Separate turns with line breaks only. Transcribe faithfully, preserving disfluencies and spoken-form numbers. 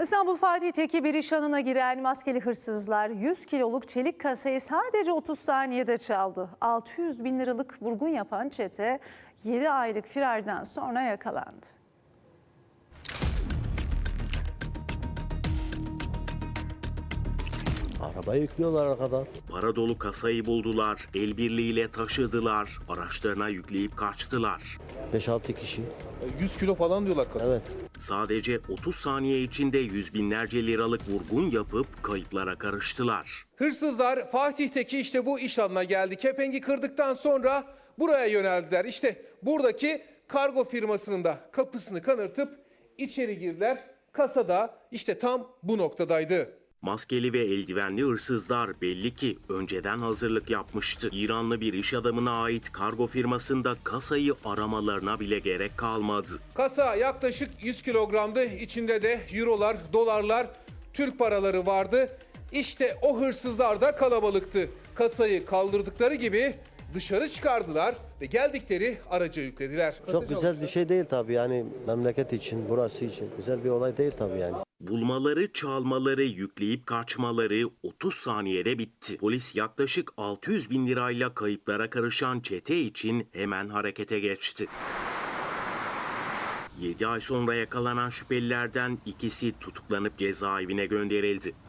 İstanbul Fatih'teki bir iş anına giren maskeli hırsızlar yüz kiloluk çelik kasayı sadece otuz saniyede çaldı. altı yüz bin liralık vurgun yapan çete yedi aylık firardan sonra yakalandı.
Arabayı yüklüyorlar arkadan.
Para dolu kasayı buldular, el birliğiyle taşıdılar, araçlarına yükleyip kaçtılar.
beş altı kişi.
yüz kilo falan diyorlar kasa.
Evet.
Sadece otuz saniye içinde yüz binlerce liralık vurgun yapıp kayıplara karıştılar.
Hırsızlar Fatih'teki işte bu iş alanına geldi. Kepengi kırdıktan sonra buraya yöneldiler. İşte buradaki kargo firmasının da kapısını kanırtıp içeri girdiler. Kasada işte tam bu noktadaydı.
Maskeli ve eldivenli hırsızlar belli ki önceden hazırlık yapmıştı. İranlı bir iş adamına ait kargo firmasında kasayı aramalarına bile gerek kalmadı.
Kasa yaklaşık yüz kilogramdı. İçinde de eurolar, dolarlar, Türk paraları vardı. İşte o hırsızlar da kalabalıktı. Kasayı kaldırdıkları gibi dışarı çıkardılar ve geldikleri araca yüklediler.
Çok güzel bir şey değil tabii, yani memleket için, burası için güzel bir olay değil tabii yani.
Bulmaları, çalmaları, yükleyip kaçmaları otuz saniyede bitti. Polis yaklaşık altı yüz bin lirayla kayıplara karışan çete için hemen harekete geçti. yedi ay sonra yakalanan şüphelilerden ikisi tutuklanıp cezaevine gönderildi.